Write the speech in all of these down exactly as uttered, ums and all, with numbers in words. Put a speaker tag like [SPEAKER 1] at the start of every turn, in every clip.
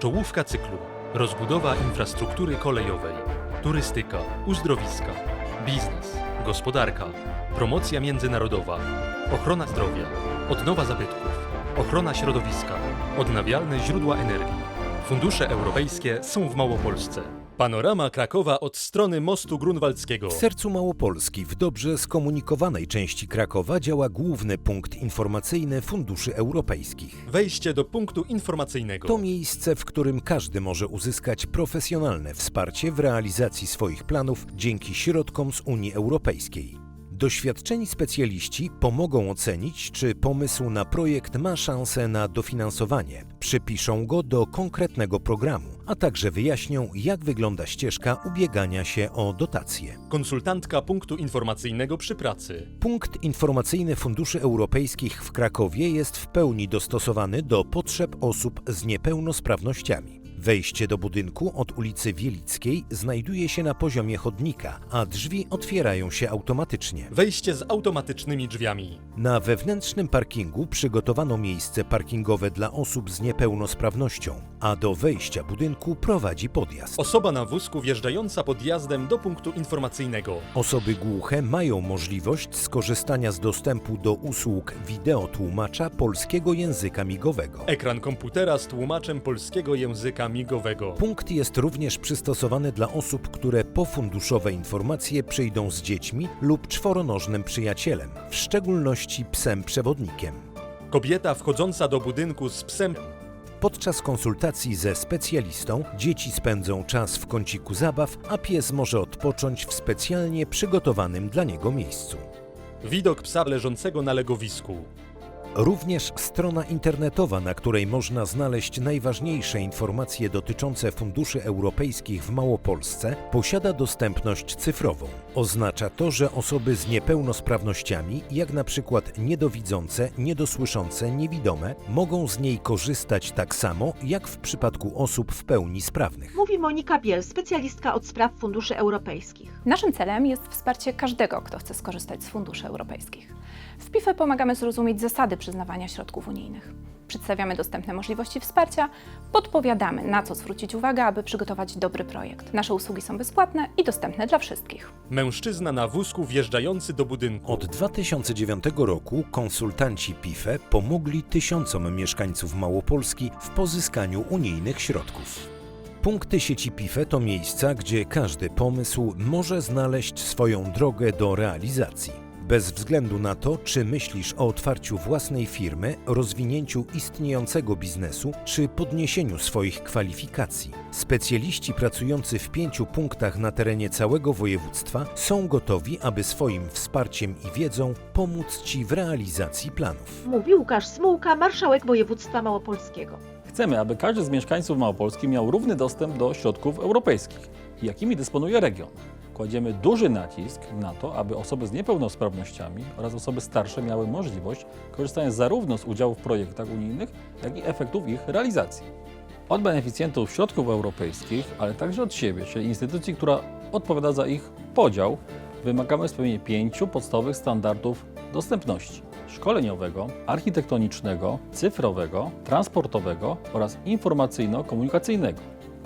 [SPEAKER 1] Czołówka cyklu. Rozbudowa infrastruktury kolejowej, turystyka, uzdrowiska, biznes, gospodarka, promocja międzynarodowa, ochrona zdrowia, odnowa zabytków, ochrona środowiska, odnawialne źródła energii. Fundusze europejskie są w Małopolsce. Panorama Krakowa od strony mostu grunwaldzkiego.
[SPEAKER 2] W sercu Małopolski, w dobrze skomunikowanej części Krakowa, działa główny punkt informacyjny funduszy europejskich.
[SPEAKER 1] Wejście do punktu informacyjnego.
[SPEAKER 2] To miejsce, w którym każdy może uzyskać profesjonalne wsparcie w realizacji swoich planów dzięki środkom z Unii Europejskiej. Doświadczeni specjaliści pomogą ocenić, czy pomysł na projekt ma szansę na dofinansowanie, przypiszą go do konkretnego programu, a także wyjaśnią, jak wygląda ścieżka ubiegania się o dotacje.
[SPEAKER 1] Konsultantka punktu informacyjnego przy pracy.
[SPEAKER 2] Punkt informacyjny funduszy europejskich w Krakowie jest w pełni dostosowany do potrzeb osób z niepełnosprawnościami. Wejście do budynku od ulicy Wielickiej znajduje się na poziomie chodnika, a drzwi otwierają się automatycznie.
[SPEAKER 1] Wejście z automatycznymi drzwiami.
[SPEAKER 2] Na wewnętrznym parkingu przygotowano miejsce parkingowe dla osób z niepełnosprawnością, a do wejścia budynku prowadzi podjazd.
[SPEAKER 1] Osoba na wózku wjeżdżająca podjazdem do punktu informacyjnego.
[SPEAKER 2] Osoby głuche mają możliwość skorzystania z dostępu do usług wideotłumacza polskiego języka migowego.
[SPEAKER 1] Ekran komputera z tłumaczem polskiego języka migowego.
[SPEAKER 2] Punkt jest również przystosowany dla osób, które po funduszowe informacje przyjdą z dziećmi lub czworonożnym przyjacielem, w szczególności psem przewodnikiem.
[SPEAKER 1] Kobieta wchodząca do budynku z psem.
[SPEAKER 2] Podczas konsultacji ze specjalistą dzieci spędzą czas w kąciku zabaw, a pies może odpocząć w specjalnie przygotowanym dla niego miejscu.
[SPEAKER 1] Widok psa leżącego na legowisku.
[SPEAKER 2] Również strona internetowa, na której można znaleźć najważniejsze informacje dotyczące funduszy europejskich w Małopolsce, posiada dostępność cyfrową. Oznacza to, że osoby z niepełnosprawnościami, jak na przykład niedowidzące, niedosłyszące, niewidome, mogą z niej korzystać tak samo, jak w przypadku osób w pełni sprawnych.
[SPEAKER 3] Mówi Monika Biel, specjalistka od spraw funduszy europejskich.
[SPEAKER 4] Naszym celem jest wsparcie każdego, kto chce skorzystać z funduszy europejskich. W P I F E pomagamy zrozumieć zasady przyznawania środków unijnych. Przedstawiamy dostępne możliwości wsparcia, podpowiadamy, na co zwrócić uwagę, aby przygotować dobry projekt. Nasze usługi są bezpłatne i dostępne dla wszystkich.
[SPEAKER 1] Mężczyzna na wózku wjeżdżający do budynku.
[SPEAKER 2] Od dwa tysiące dziewiątego roku konsultanci P I F E pomogli tysiącom mieszkańców Małopolski w pozyskaniu unijnych środków. Punkty sieci P I F E to miejsca, gdzie każdy pomysł może znaleźć swoją drogę do realizacji. Bez względu na to, czy myślisz o otwarciu własnej firmy, rozwinięciu istniejącego biznesu, czy podniesieniu swoich kwalifikacji. Specjaliści pracujący w pięciu punktach na terenie całego województwa są gotowi, aby swoim wsparciem i wiedzą pomóc Ci w realizacji planów.
[SPEAKER 3] Mówi Łukasz Smułka, marszałek województwa małopolskiego.
[SPEAKER 5] Chcemy, aby każdy z mieszkańców Małopolski miał równy dostęp do środków europejskich, jakimi dysponuje region. Kładziemy duży nacisk na to, aby osoby z niepełnosprawnościami oraz osoby starsze miały możliwość korzystania zarówno z udziału w projektach unijnych, jak i efektów ich realizacji. Od beneficjentów środków europejskich, ale także od siebie, czyli instytucji, która odpowiada za ich podział, wymagamy spełnienia pięciu podstawowych standardów dostępności: szkoleniowego, architektonicznego, cyfrowego, transportowego oraz informacyjno-komunikacyjnego.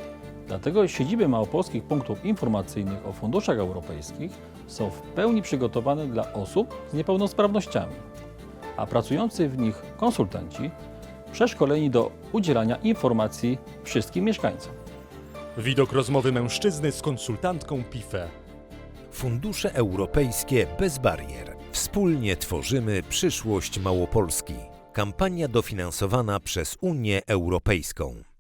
[SPEAKER 5] Dlatego siedziby małopolskich punktów informacyjnych o funduszach europejskich są w pełni przygotowane dla osób z niepełnosprawnościami, a pracujący w nich konsultanci przeszkoleni do udzielania informacji wszystkim mieszkańcom.
[SPEAKER 1] Widok rozmowy mężczyzny z konsultantką P I F E.
[SPEAKER 2] Fundusze europejskie bez barier. Wspólnie tworzymy przyszłość Małopolski. Kampania dofinansowana przez Unię Europejską.